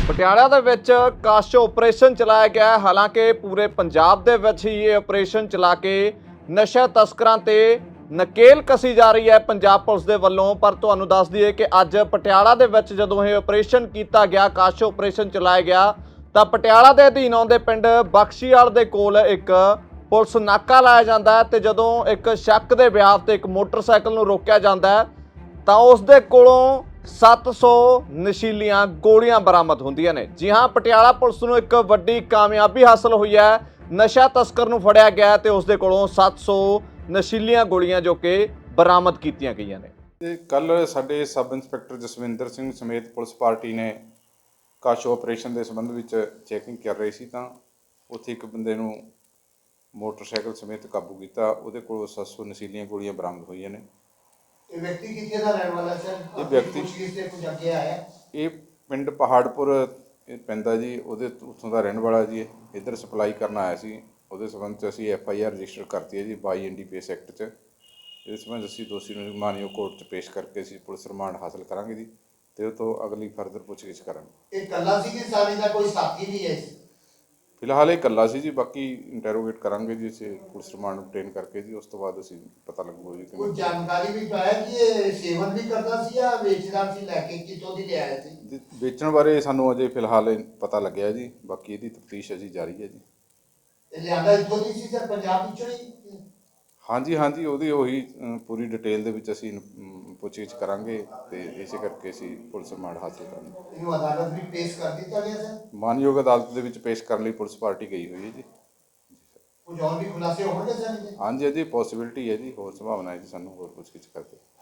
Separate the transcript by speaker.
Speaker 1: ਪਟਿਆਲਾ ਦੇ ਵਿੱਚ ਕਾਸ਼ ਆਪਰੇਸ਼ਨ ਚਲਾਇਆ ਗਿਆ ਹੈ। ਹਾਲਾਂਕਿ ਪੂਰੇ ਪੰਜਾਬ ਦੇ ਵਿੱਚ ਹੀ ਇਹ ਆਪਰੇਸ਼ਨ ਚਲਾ ਕੇ ਨਸ਼ਾ ਤਸਕਰਾਂ ਤੇ ਨਕੇਲ ਕਸੀ ਜਾ ਰਹੀ ਹੈ ਪੰਜਾਬ ਪੁਲਿਸ ਦੇ ਵੱਲੋਂ। ਪਰ ਤੁਹਾਨੂੰ ਦੱਸ ਦਈਏ ਕਿ ਅੱਜ ਪਟਿਆਲਾ ਦੇ ਵਿੱਚ ਜਦੋਂ ਇਹ ਆਪਰੇਸ਼ਨ ਕੀਤਾ ਗਿਆ, ਕਾਸ਼ ਆਪਰੇਸ਼ਨ ਚਲਾਇਆ ਗਿਆ, ਤਾਂ ਪਟਿਆਲਾ ਦੇ ਅਧੀਨ ਆਉਂਦੇ ਪਿੰਡ ਬਖਸ਼ੀਵਾਲ ਦੇ ਕੋਲ ਇੱਕ ਪੁਲਿਸ ਨਾਕਾ ਲਾਇਆ ਜਾਂਦਾ ਹੈ ਤੇ ਜਦੋਂ ਇੱਕ ਸ਼ੱਕ ਦੇ ਬਿਆਨ ਤੇ ਇੱਕ ਮੋਟਰਸਾਈਕਲ ਨੂੰ ਰੋਕਿਆ ਜਾਂਦਾ ਹੈ ਤਾਂ ਉਸ ਦੇ ਕੋਲੋਂ 700 ਨਸ਼ੀਲੀਆਂ ਗੋਲੀਆਂ ਬਰਾਮਦ ਹੁੰਦੀਆਂ ਨੇ। ਜੀ ਹਾਂ, ਪਟਿਆਲਾ ਪੁਲਿਸ ਨੂੰ ਇੱਕ ਵੱਡੀ ਕਾਮਯਾਬੀ ਹਾਸਲ ਹੋਈ ਹੈ। ਨਸ਼ਾ ਤਸਕਰ ਨੂੰ ਫੜਿਆ ਗਿਆ ਤੇ ਉਸ ਦੇ ਕੋਲੋਂ 700 ਨਸ਼ੀਲੀਆਂ ਗੋਲੀਆਂ ਜੋ ਕਿ ਬਰਾਮਦ ਕੀਤੀਆਂ ਗਈਆਂ ਨੇ।
Speaker 2: ਤੇ ਕੱਲ ਸਾਡੇ ਸਬ ਇੰਸਪੈਕਟਰ ਜਸਵਿੰਦਰ ਸਿੰਘ ਸਮੇਤ ਪੁਲਿਸ ਪਾਰਟੀ ਨੇ ਕਾਸ਼ ਆਪਰੇਸ਼ਨ ਦੇ ਸੰਬੰਧ ਵਿੱਚ ਚੈਕਿੰਗ ਕਰ ਰਹੀ ਸੀ ਤਾਂ ਉੱਥੇ ਇੱਕ ਬੰਦੇ ਨੂੰ ਮੋਟਰਸਾਈਕਲ ਸਮੇਤ ਕਾਬੂ ਕੀਤਾ। ਉਹਦੇ ਕੋਲੋਂ 700 ਨਸ਼ੀਲੀਆਂ ਗੋਲੀਆਂ ਬਰਾਮਦ ਹੋਈਆਂ ਨੇ।
Speaker 3: ਇਹ ਵਿਅਕਤੀ ਕਿੱਥੇ ਦਾ ਰਹਿਣ ਵਾਲਾ ਸਰ?
Speaker 2: ਇਹ ਵਿਅਕਤੀ
Speaker 3: ਪੁੱਛਗਿੱਛ ਤੇ ਕੁਝ ਅੱਗੇ ਆਇਆ?
Speaker 2: ਇਹ ਪਿੰਡ ਪਹਾੜਪੁਰ ਪੈਂਦਾ ਜੀ, ਉਹਦੇ ਉੱਥੋਂ ਦਾ ਰਹਿਣ ਵਾਲਾ ਜੀ। ਇੱਧਰ ਸਪਲਾਈ ਕਰਨ ਆਇਆ ਸੀ। ਉਹਦੇ ਸੰਬੰਧ 'ਚ ਅਸੀਂ FIR ਰਜਿਸਟਰ ਕਰਤੀ ਹੈ ਜੀ 22 NDPS ਐਕਟ 'ਚ। ਇਸ ਸੰਬੰਧ ਅਸੀਂ ਦੋਸ਼ੀ ਨੂੰ ਮਾਨਯੋਗ ਕੋਰਟ 'ਚ ਪੇਸ਼ ਕਰਕੇ ਅਸੀਂ ਪੁਲਿਸ ਰਿਮਾਂਡ ਹਾਸਲ ਕਰਾਂਗੇ ਜੀ ਤੇ ਉਹ ਤੋਂ ਅਗਲੀ ਫਰਦਰ ਪੁੱਛਗਿੱਛ ਕਰਾਂਗੇ।
Speaker 3: ਇਹ ਇਕੱਲਾ ਸੀ ਕਿ ਸਾਰੀ ਦਾ ਕੋਈ ਸਾਥੀ ਵੀ ਹੈ?
Speaker 2: ਫਿਲਹਾਲ ਇਹ ਇਕੱਲਾ ਸੀ ਜੀ, ਬਾਕੀ ਇੰਟਰੋਗੇਟ ਕਰਾਂਗੇ ਜੀ ਅਸੀਂ ਪੁਲਿਸ ਰਿਮਾਂਡ obtain ਕਰਕੇ ਜੀ। ਉਸ ਤੋਂ ਬਾਅਦ ਅਸੀਂ ਪਤਾ ਲੱਗੂਗਾ ਜੀ
Speaker 3: ਕੋਈ ਜਾਣਕਾਰੀ ਵੀ ਪਾਇਆ ਕਿ ਇਹ ਸੇਵਨ ਵੀ ਕਰਦਾ ਸੀ ਜਾਂ ਵੇਚਦਾ ਸੀ? ਲੈ ਕੇ ਕਿੱਥੋਂ ਦੀ ਲਿਆਇਆ ਸੀ?
Speaker 2: ਵੇਚਣ ਬਾਰੇ ਸਾਨੂੰ ਅਜੇ ਫਿਲਹਾਲ ਪਤਾ ਲੱਗਿਆ ਜੀ, ਬਾਕੀ ਇਹਦੀ ਤਫਤੀਸ਼ ਅਜੇ ਜਾਰੀ ਹੈ ਜੀ।
Speaker 3: ਇਹ ਲਿਆਂਦਾ ਇੱਥੋਂ ਦੀ ਸੀ ਸਰ, ਪੰਜਾਬ ਵਿੱਚੋਂ ਹੀ?
Speaker 2: ਹਾਂਜੀ ਉਹਦੀ ਉਹੀ ਪੂਰੀ ਡਿਟੇਲ ਦੇ ਵਿੱਚ ਅਸੀਂ ਪੁੱਛਗਿੱਛ ਕਰਾਂਗੇ ਤੇ ਇਸੇ ਕਰਕੇ ਅਸੀਂ ਪੁਲਿਸ ਰਿਮਾਂਡ ਹਾਸਲ ਕਰਾਂਗੇ।
Speaker 3: ਇਹਨੂੰ ਅਦਾਲਤ ਵੀ ਪੇਸ਼ ਕਰ ਦਿੱਤਾ ਗਿਆ ਸਰ?
Speaker 2: ਮਾਨਯੋਗ ਅਦਾਲਤ ਦੇ ਵਿੱਚ ਪੇਸ਼ ਕਰਨ ਲਈ ਪੁਲਿਸ ਪਾਰਟੀ ਗਈ ਹੋਈ ਹੈ ਜੀ।
Speaker 3: ਕੁਝ ਹੋਰ ਵੀ ਖੁਲਾਸੇ ਹੋਣਗੇ ਸਰ?
Speaker 2: ਹਾਂਜੀ, ਇਹਦੀ ਪੋਸੀਬਿਲਿਟੀ ਹੈ ਜੀ, ਹੋਰ ਸੰਭਾਵਨਾ ਹੈ ਜੀ ਸਾਨੂੰ ਹੋਰ ਪੁੱਛਗਿੱਛ ਕਰਕੇ।